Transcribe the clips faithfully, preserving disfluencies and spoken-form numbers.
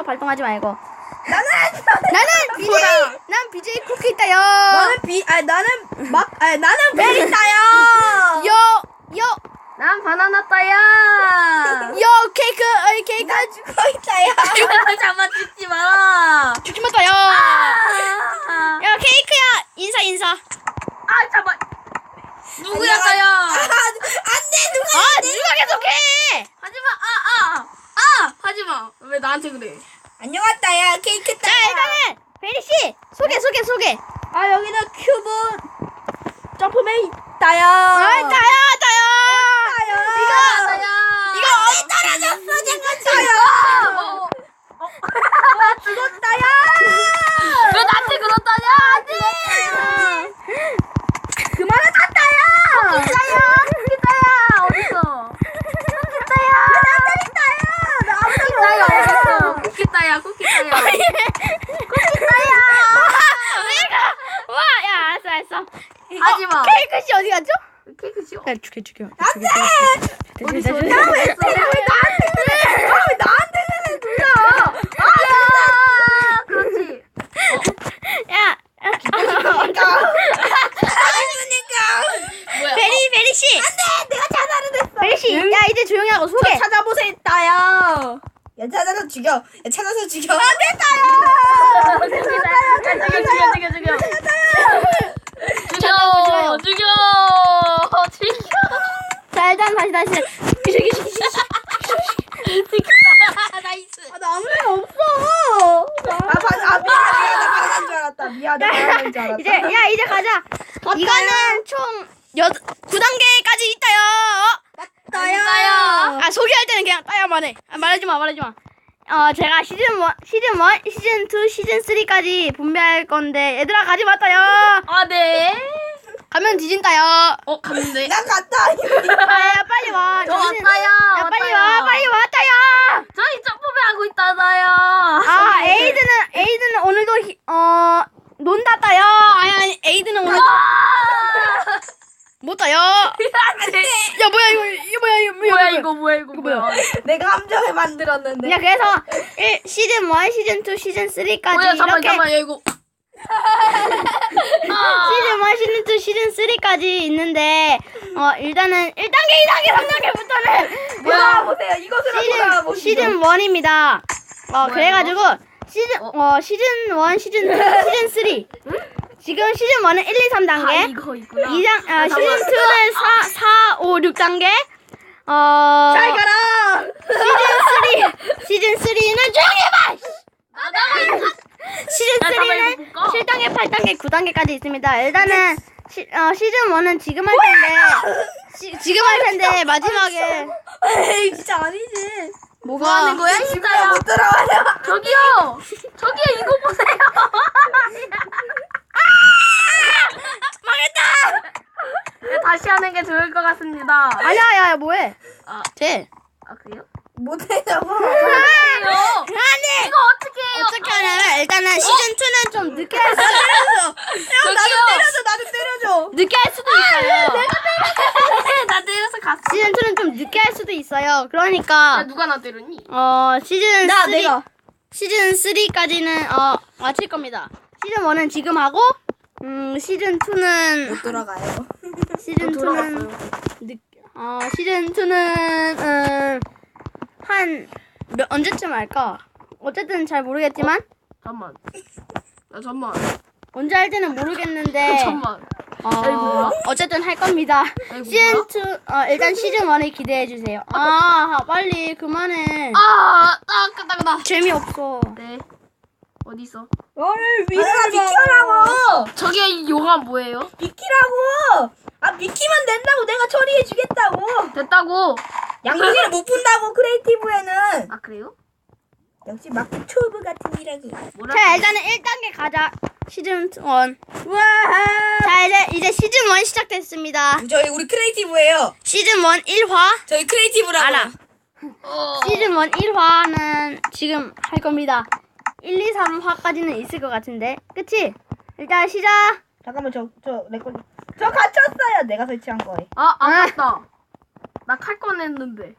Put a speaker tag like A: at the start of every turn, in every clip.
A: 발동하지 말고.
B: 나는
A: 나는 비제이, 난 비제이 쿠키 있다요.
B: 너는 비, 아 나는 막, 아 나는 베리 따요.
A: 요, 요,
C: 난 바나나 따야.
A: 요 케이크, 어이 케이크.
B: 나 죽어 있다요.
C: 잠만 죽지 마.
A: 죽지 마다요.
C: 아,
A: 야 케이크야, 인사 인사.
C: 아 잠만. 누구야 따야?
B: 안돼 누가?
A: 아 누가 계속해?
C: 하지마. 아, 아, 아, 하지마. 왜 나한테 그래?
B: 안녕하다야 케이크
A: 자
B: 따야.
A: 일단은 베리 씨 소개 소개 소개.
B: 아 여기는 큐브 점프맨 따요.
A: 아 따요 따요.
B: 따요.
A: 이거
C: 따야.
A: 이거
B: 왜 떨어졌어 잠깐 따요.
C: 어, 어.
B: 죽었다야.
C: 왜 나한테 그렇다냐? 안돼.
B: 그만하자 따야.
C: 따야, 쿠키 따야. 어딨어? 쿠키 따야.
B: 나들이 따야. 나
C: 쿠키
B: 아무도
C: 따야
B: 몰라.
C: 어딨어? 쿠키 따야, 쿠키 따야. 쿠키 따야.
A: 내가 와야 알았어 알았어.
C: 하지마.
A: 케이크 씨 어디 갔죠?
C: 케이크 씨.
A: 야 죽여 죽여.
B: 안돼.
C: 어딨어?
B: 왜 나한테 그래? 아, 왜 나한테 그래 누나?
C: 아, 그렇지.
A: 야.
B: 그러니까.
C: 뭐야?
A: 베리 베리 씨.
B: 안돼 내가 자살을 했어.
A: 베리 씨. 야 이제 조용히 하고 소개.
B: 찾아보세요 따요. 야 찾아서 죽여. 야 찾아서 죽여. 안돼 따요.
C: 죽여, 죽여, 죽여, 죽여. 죽여, 죽여, 죽여.
A: 자 일단 다시 다시.
C: 나이스.
B: 아, 나 아무 일 없어. 아, 반, 아, 미안, 미안, 나 반한 줄 알았다. 미안, 나 반한 줄 알았다.
A: 이제 야 이제 가자. 이거는 총 여 구 단계까지 있다요.
B: 따요.
C: 따요.
A: 아 소개할 때는 그냥 따야만 해. 아, 말하지 마 말하지 마. 어 제가 시즌 일, 시즌 일, 시즌 이, 시즌 삼까지 분배할 건데 얘들아 가지 마 따요.
C: 아, 네.
A: 가면 뒤진다요.
C: 어, 갔는데.
B: 난 갔다.
A: 아야 빨리 와.
C: 저
A: 정신-
C: 왔다요.
A: 야 빨리 와 빨리 와 따요.
C: 저희 점프배 하고 있다나요.
A: 아 에이드는 에이드는 오늘도 히, 어 논다 따요. 아니 아니 에이드는 오늘 못 따요. 야
C: 안돼.
A: 뭐야 이거 이거 뭐야 이거
C: 뭐야 이거 뭐야 이거
A: 뭐야?
C: 뭐야?
B: 내가 함정을 만들었는데.
A: 야 그래서 일, 시즌 일, 시즌 이, 시즌 삼까지
C: 뭐야 잠만
A: 이렇게
C: 잠만 야 이거. 아.
A: 시즌 일, 시즌 이, 시즌 삼까지 있는데 어 일단은 일 단계, 이 단계, 삼 단계부터는
B: 뭐야 보세요. 이것으로
A: 시즌
B: 돌아보시죠.
A: 시즌 일입니다. 어
C: 뭐야,
A: 그래가지고 시즌 어 시즌 일, 시즌 이, 시즌 삼 지금 시즌 일은 일, 이, 삼
C: 아
A: 단계
C: 이거 있구나.
A: 이 장, 아,
C: 아,
A: 시즌
C: 잠깐만.
A: 이는 사, 사, 오, 육 단계 어
B: 잘 가라.
A: 시즌 삼 시즌 삼는 조용히 해봐!
C: 나가고 있어.
A: 시즌
C: 야, 잠깐만, 이거
A: 삼는
C: 못 가.
A: 칠 단계, 팔 단계, 구 단계까지 있습니다. 일단은 시, 어, 시즌 일은 지금 할 텐데 시, 지금 할 텐데 마지막에
B: 에이 진짜 아니지.
A: 뭐가
C: 뭐 하는 거야
B: 집에
C: 진짜야?
B: 못 들어가요.
C: 저기요. 저기요 이거 보세요.
A: 망했다!
C: 네, 다시 하는 게 좋을 것 같습니다.
A: 아니야, 야, 야, 뭐해?
C: 아,
A: 돼.
C: 아 그래요?
B: 못해냐고.
C: 그래요?
A: 아니!
C: 이거 어떻게 해요?
A: 어떻게 하냐면 일단은 시즌 이는 좀 늦게 할 수,
B: 형 나도
C: 저기요.
B: 때려줘. 나도 때려줘.
A: 늦게 할 수도 있어요.
C: 나 때려서 갔어.
A: 시즌 이는 좀 늦게 할 수도 있어요.
C: 야
A: 그러니까
C: 누가 나 때렸니?
A: 어 시즌
B: 나
A: 삼
B: 내가.
A: 시즌 삼까지는 어 마칠 겁니다. 시즌 일은 지금 하고 음 시즌 이는
B: 못 돌아가요.
A: 시즌 이는
C: 돌아갔어요.
A: 늦, 어 시즌 이는 음한 몇 언제쯤 할까? 어쨌든 잘 모르겠지만
C: 잠만. 나 잠만.
A: 언제 할지는 모르겠는데
C: 잠만.
A: 어
C: 뭐야?
A: 어쨌든 할 겁니다.
C: 아이고,
A: 시즌
C: 뭐야?
A: 이 어 일단 시즌 일을 기대해 주세요. 아 빨리 그만해.
C: 아, 딱 끄다 끄다.
A: 재미없어.
C: 네. 어디 있어?
B: 너를 위해서 비키라고.
C: 저기 요가 뭐예요?
B: 비키라고. 아 비키면 된다고. 내가 처리해주겠다고.
C: 됐다고.
B: 양동이를 못 푼다고 크리에이티브에는.
C: 아 그래요?
B: 역시 막 튜브 같은 이라고.
C: 뭐라?
A: 자 일단은 일 단계 가자. 시즌 일.
B: 와.
A: 자 이제 이제 시즌 일 시작됐습니다.
B: 저희 우리 크리에이티브예요.
A: 시즌 일 일 화
B: 저희 크리에이티브라고.
A: 알아.
C: 어.
A: 시즌 일 일 화는 지금 할 겁니다. 일, 이, 삼 화까지는 있을 것 같은데 그치? 일단 시작.
B: 잠깐만 저 저 레코드. 저 갇혔어요. 내가 설치한 거에.
C: 아, 아깝다. 나 칼 꺼냈는데.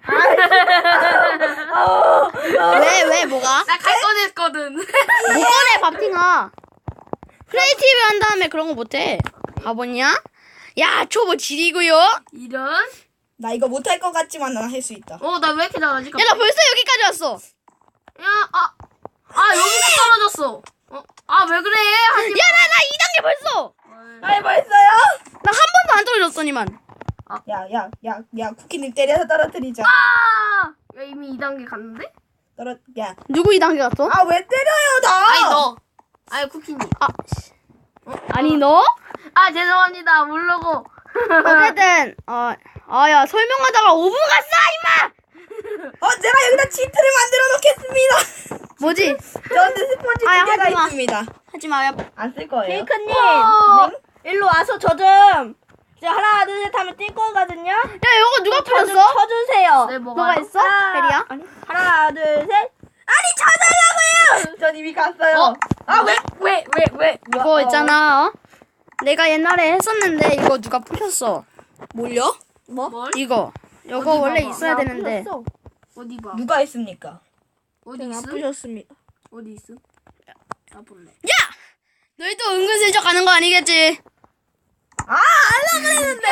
A: 왜, 왜, 뭐가?
C: 나 칼 꺼냈거든.
A: 못 꺼내, 밥팅아. 크리에이티브 한 다음에 그런 거 못해. 바보냐? 야, 초보 지리고요. 야,
C: 이런.
B: 나 이거 못할 것 같지만 난 할 수 있다.
C: 어, 나 왜 이렇게 잘하지?
A: 나 벌써 여기까지 왔어.
C: 야, 아, 아 여기서 떨어졌어. 어, 아 왜 그래? 하지
A: 야, 나, 나 이 단계 벌써.
C: 마.
B: 아이 벌써요?
A: 나 한 번도 안 떨어졌더니만.
B: 야야 야 야 쿠키님 때려서 떨어뜨리자.
C: 아, 야 이미 이 단계 갔는데?
B: 떨어 야.
A: 누구 이 단계 갔어?
B: 아 왜 때려요 나?
C: 아니 너. 아니 쿠키님.
A: 아, 씨. 아니, 너?
C: 아 죄송합니다. 모르고.
A: 어쨌든, 어, 아, 야, 설명하다가 오 분 갔어, 임마!
B: 어 제가 여기다 치트를 만들어 놓겠습니다.
A: 뭐지?
B: 저한테 스펀지
A: 아,
B: 두 개가
A: 하지 마.
B: 있습니다.
A: 하지 마, 야.
B: 안 쓸 거예요.
D: 케이크님,
C: 어.
D: 일로 와서 저 좀. 이제 하나, 둘, 셋 하면 뛸 거거든요.
A: 야, 이거 누가
D: 쳐 좀
A: 풀었어?
D: 쳐주세요.
C: 네
A: 너가
C: 뭐가
A: 했어?
D: 하나,
A: 페리야?
D: 아니, 하나, 둘, 셋. 아니, 쳐달라고요!
B: 전 이미 갔어요.
C: 어?
B: 아 왜?
C: 왜 왜 왜?
A: 이거 있잖아, 어? 내가 옛날에 했었는데, 이거 누가 부셨어.
B: 뭘요?
C: 뭘?
A: 이거. 이거
C: 어디
A: 원래
C: 봐봐.
A: 있어야 되는데.
D: 부셨어.
C: 어디 봐.
B: 누가 했습니까?
C: 어디
D: 저는 안
C: 있음?
D: 부셨습니다.
C: 어디 있음? 나 볼래.
A: 야! 너희도 은근슬쩍 가는 거 아니겠지?
B: 아 알라 그랬는데.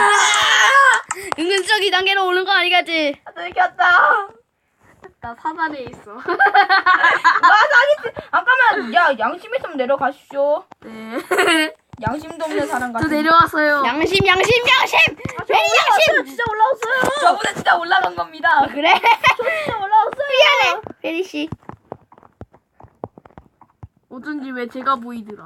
A: 은근슬쩍 이 단계로 오는 거 아니겠지?
B: 들켰다.
C: 나 사다리에 있어.
B: 와 사기. 잠깐만. 야 양심 있으면 내려가십시오.
C: 네.
B: 양심도 없는 사람
C: 저
B: 같은.
C: 내려왔어요.
A: 양심, 양심, 양심! 왜 양심!
D: 진짜 올라왔어요.
B: 저번에 진짜 올라간 겁니다.
A: 그래?
D: 진짜 올라왔어요.
A: 미안해, 페리씨.
C: 어쩐지 왜 제가 보이더라.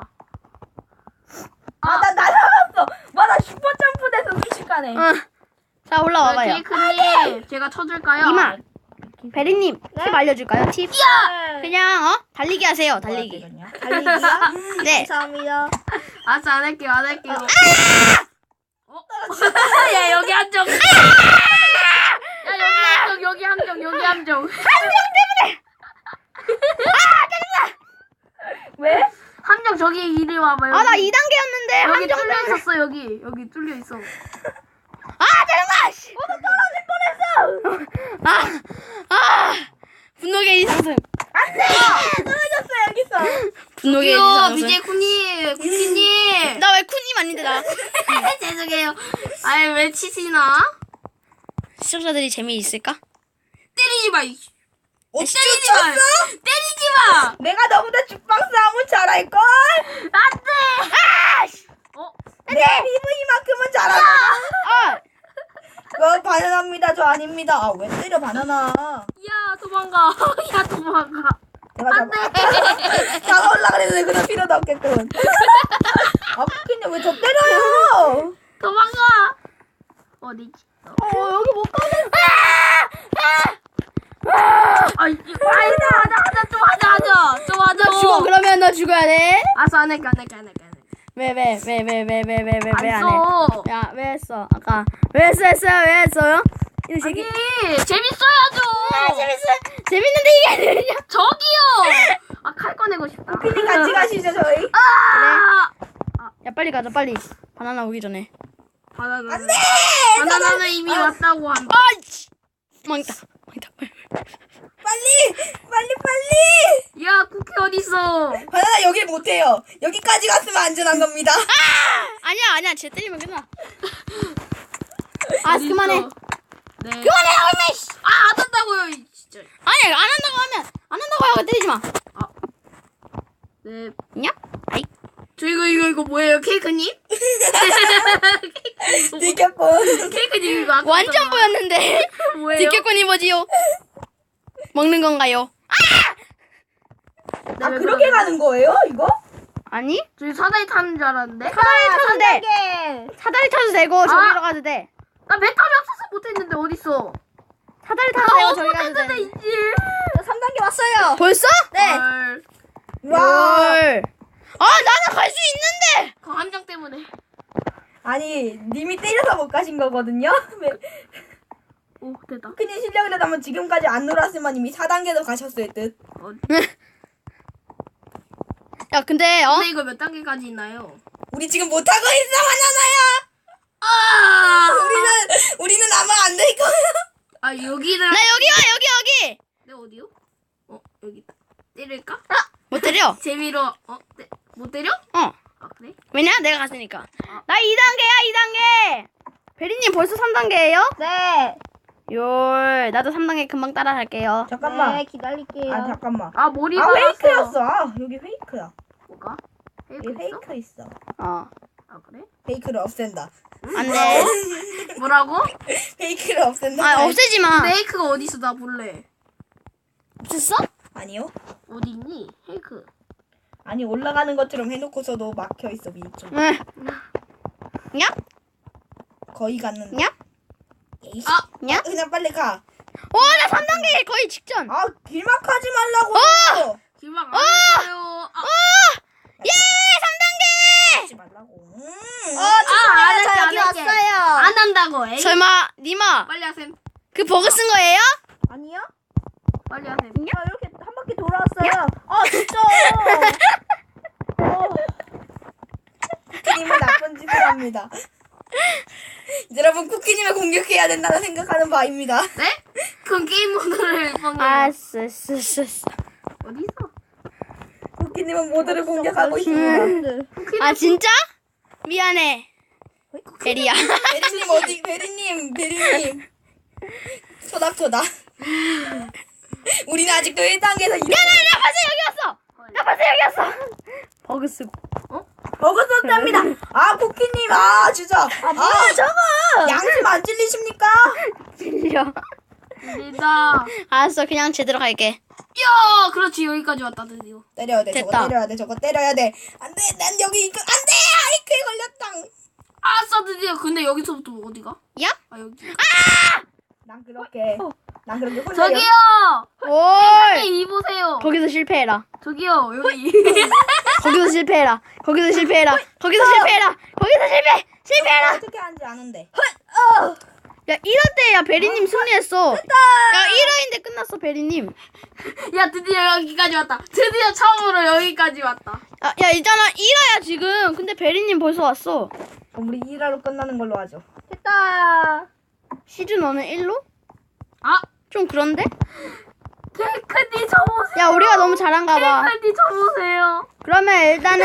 B: 아나 날아갔어. 와 나 슈퍼 점프돼서 순식간에.
A: 응. 자,
C: 네,
A: 올라와봐요.
C: 케이크님, 제가 쳐줄까요?
A: 이마. 베리님, 팁 알려줄까요? 팁?
D: 네.
A: 그냥, 어? 달리기 하세요, 달리기.
D: 달리기야?
A: 네.
D: 감사합니다.
C: 알았어, 안 할게요, 안 할게요. 어? 야, 여기 함정. 야, 여기 함정, 여기 함정, 여기 함정.
B: 왜?
C: 함정 저기 이리 와봐. 여기.
A: 아, 나 이 단계였는데,
C: 여기
A: 함정
C: 뚫려
A: 때문에.
C: 있었어, 여기. 여기 뚫려 있어.
A: 아, 짜증나! 씨. 떨어질 뻔했어! 아, 아, 분노 게이지 상승.
B: 떨어졌어 여기서.
A: 분노 게이지
C: 이거
A: 상승.
C: 비제이 쿠님, 쿠키님.
A: 나 왜 쿤님 아닌데, 나.
C: 죄송해요. 아이, 왜 치시나?
A: 시청자들이 재미있을까?
C: 때리지 마, 이.
B: 어찌
C: 때리지 마.
B: 쳤어?
C: 때리지 마.
B: 내가 너보다 죽방 싸움을 잘할걸?
C: 안 돼. 아! 어?
B: 내 피부 이만큼은 잘하잖아.
A: 아,
B: 어, 바나나입니다. 저 아닙니다. 아, 왜 때려, 바나나.
C: 야, 도망가. 야, 도망가.
B: 내가
C: 안 돼.
B: 잡아. 잡아올라 그랬는데 그럴 필요도 없겠군. 아, 쿠키님 왜 저 때려요?
C: 도망가. 어디지?
D: 어, 여기 못 가네.
C: 아이, 아이다, 하자, 하자, 좀 하자, 하자. 좀 하자.
A: 나 죽어, 그러면 너 죽어야 돼.
C: 알았어, 안 할게, 안 할게, 안 할게, 안 할게.
A: 왜, 왜, 왜, 왜, 왜, 왜, 왜, 왜, 왜
C: 안
A: 안 해?
C: 써.
A: 야, 왜 했어? 아까. 왜 했어, 했어요? 왜 했어요? 이
C: 아니,
A: 새끼.
C: 재밌어야죠.
A: 재밌어. 재밌는데 이게 아니냐?
C: 저기요. 아, 칼 꺼내고 싶다.
B: 쿠키님 같이 가시죠, 저희.
C: 아!
A: 야, 빨리 가자, 빨리. 바나나 오기 전에.
C: 바나나는,
B: 안 돼!
C: 바나나는 이미 왔다고 한다.
A: 아이씨! 망했다. 망했다.
B: 빨리! 빨리, 빨리!
C: 야, 쿠키 어딨어?
B: 바나나 여길 못해요. 여기까지 갔으면 안전한 겁니다.
A: 아니야, 아니야. 쟤 때리면 끝나. 아,
C: 어딨어?
A: 그만해.
C: 네.
A: 그만해, 얼마, 씨!
C: 아, 안 한다고요, 이 진짜.
A: 아니, 안 한다고 하면, 안 한다고 하고 때리지 마.
C: 네.
A: 냐? 아이.
C: 저 이거, 이거, 이거 뭐예요, 케이크님?
B: 들켰군.
C: 케이크님 이거 아까
A: 완전 보였는데.
C: 뭐예요?
A: 지켜꾼이 뭐지요? 먹는 건가요?
B: 아, 그렇게 가는 거예요, 이거?
A: 아니?
C: 저희 사다리 타는 줄 알았는데?
A: 사다리 타도 돼.
D: 개.
A: 사다리 타도 되고, 저기로 가도 돼.
C: 나 배터리 없어서 못했는데 어딨어?
A: 사다리 타도 되고,
C: 아,
A: 저기 가도
C: 못했는데
A: 돼.
C: 이지.
D: 삼 단계 왔어요.
A: 벌써?
D: 네.
C: 헐.
B: 와.
A: 헐. 아, 나는 갈 수 있는데!
C: 그 함정 때문에.
B: 아니, 님이 때려서 못 가신 거거든요? 왜?
C: 오, 됐다.
B: 쿠키님 실력이라면 지금까지 안 놀았으면 이미 사 단계도 가셨을 듯.
C: 어,
A: 야, 근데, 어?
C: 근데 이거 몇 단계까지 있나요?
B: 우리 지금 못하고 있어, 바나나야!
C: 아!
B: 우리는 우리는 아마 안 될 거야.
C: 아 여기는
A: 나 여기 와 여기 여기.
C: 내 어디요? 어 여기 있다. 때릴까?
A: 못 때려.
C: 재미로 어? 때, 못 때려?
A: 어.
C: 아 그래?
A: 왜냐? 내가 갔으니까. 나 이 단계야 이 단계. 베리님 벌써 삼 단계예요?
D: 네.
A: 요 나도 삼 단계 금방 따라 할게요.
B: 잠깐만.
D: 네, 기다릴게요.
B: 아 잠깐만.
C: 아 머리
B: 아
C: 받았어.
B: 페이크였어. 아 여기 페이크야.
C: 뭐가?
B: 여기
C: 페이크 있어?
B: 페이크 있어.
A: 어.
C: 아 그래?
B: 페이크를 없앤다.
A: 안 돼.
C: 뭐라고?
B: 페이크를 없앤다.
A: 아 없애지 마.
C: 페이크가 어디 있어? 나 볼래.
A: 없앴어?
B: 아니요.
C: 어디 있니? 페이크.
B: 아니 올라가는 것처럼 해놓고서도 막혀 있어 위쪽.
A: 응. 냐?
B: 거의 갔는데.
A: 냐?
B: 에이씨.
C: 아!
A: 냐?
B: 그냥 빨리 가.
A: 오, 나 삼 단계 거의 직전.
B: 아 길막하지 말라고.
A: 어!
C: 길막 안 했어요. 아,
A: 예, 삼 단계.
B: 하지 말라고. 음.
D: 어,
C: 아, 안
D: 죄송해요.
C: 할게,
D: 저
C: 안
D: 여기
C: 할게.
D: 왔어요.
C: 안 한다고. 에이.
A: 설마 니마
C: 빨리 하셈.
A: 그 버그 쓴 거예요?
D: 아니요?
C: 빨리 하셈.
D: 저 이렇게 한 바퀴 돌아왔어요. 아, 진짜. 어.
B: 쿠키님은 나쁜 짓을 합니다. 여러분 쿠키님을 공격해야 된다는 생각하는 바입니다.
C: 네? 그건 게임 모드를 방금.
A: 아, 쓰, 쓰, 쓰, 쓰.
C: 어디 있어?
B: 쿠키님은 모두를 공격하고 있습니다.
A: 아, 진짜? 미안해. 베리야.
B: 베리님 어디? 베리님, 베리님. 소닥소닥. 우리는 아직도 일 단계에서 이
A: 야, 나, 나 벌써 여기 왔어. 나 벌써 여기 왔어. 버그 쓰고.
B: 버그 썼답니다. 아 쿠키님, 아 진짜. 아 뭐야 저거? 양심 안 찔리십니까?
A: 들려.
C: 일다.
A: 알았어, 그냥 제대로 갈게.
C: 야, 그렇지 여기까지 왔다 드디어.
B: 때려야 돼. 저거
A: 됐다.
B: 때려야 돼. 저거 때려야 돼. 안돼, 난 여기 이거 안돼. 아이크에 걸렸당.
C: 아싸 드디어. 근데 여기서부터 어디가?
A: 야?
C: 아 여기.
B: 난 그렇게, 난 그렇게 혼자.
C: 저기요.
A: 올.
C: 이 보세요.
A: 거기서 실패해라.
C: 저기요 여기.
A: 거기서 실패해라. 거기서 실패해라. 거기서 실패해라. 거기서 실패. 실패해라.
B: 어떻게 하는지 아는데.
A: 야, 일 화 때야 베리님 승리했어. 야, 일 화인데 끝났어 베리님.
C: 야 드디어 여기까지 왔다. 드디어 처음으로 여기까지 왔다.
A: 야, 야 있잖아 일 화야 지금. 근데 베리님 벌써 왔어.
B: 그럼 우리 일 화로 끝나는 걸로 하죠.
D: 됐다.
A: 시즌 일은 일로?
C: 아
A: 좀 그런데?
C: 케이크니 저 보세요.
A: 야, 우리가 너무 잘한가 봐.
C: 케이크니 저 보세요.
A: 그러면 일단은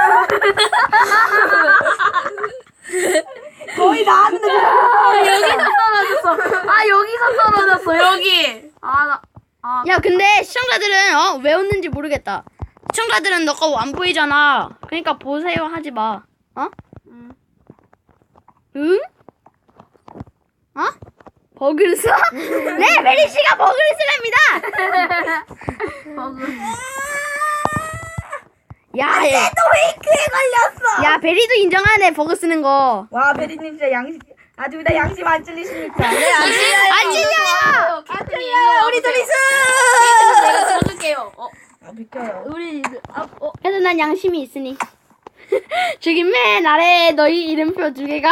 B: 거의 나왔는데.
C: 아 여기서 떨어졌어. 아 여기서 떨어졌어 여기. 아나 아.
A: 야, 근데 시청자들은 어, 왜 웃는지 모르겠다. 시청자들은 너 거 안 보이잖아. 그러니까 보세요 하지 마. 어?
C: 음.
A: 응? 어? 버그를 써? 네, 베리 씨가 버그를 쓰랍니다.
C: 버그.
A: 야, 얘.
B: 또 페이크에 걸렸어.
A: 야, 베리도 인정하네 버그 쓰는 거.
B: 와 베리님 진짜 양심. 아 둘 다 양심 안 찔리십니까? 네,
A: 안 찔려요.
C: 안 찔려요.
B: 우리 둘이서.
C: 내가 쳐줄게요. 어.
B: 아 비켜요.
D: 우리, 아, 어.
A: 그래도 난 양심이 있으니. 저기 맨 아래에 너희 이름표 두 개가.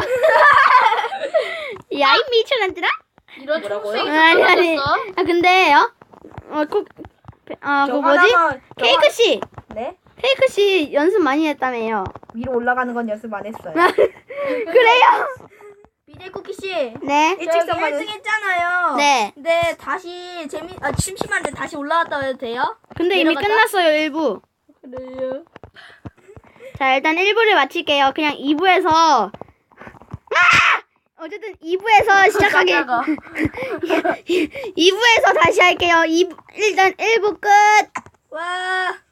A: 야이 미쳐난들아?
C: 이런
B: 뭐라고요?
C: 초록색이
A: 아니 아니.
C: 떨어졌어.
A: 아 근데 어, 어, 꼭, 아, 그
B: 저
A: 뭐지?
B: 하나만- 저
A: 케이크 씨,
B: 네?
A: 케이크 씨 연습 많이 했다며요.
B: 위로 올라가는 건 연습 안 했어요.
A: 그래요?
D: 비제이 쿠키 씨.
A: 네.
D: 저기
B: 일직선만
D: 일 등 했잖아요.
A: 네.
D: 근데 다시 재미, 아, 심심한데 다시 올라갔다 해도 돼요?
A: 근데 이미
D: 내려갔다?
A: 끝났어요 일 부.
D: 그래요.
A: 자 일단 일 부를 마칠게요. 그냥 이 부에서 아! 어쨌든 이 부에서 시작하게.
C: 깜짝아.
A: 이 부에서 다시 할게요. 이 부, 일단 일 부 끝.
D: 와.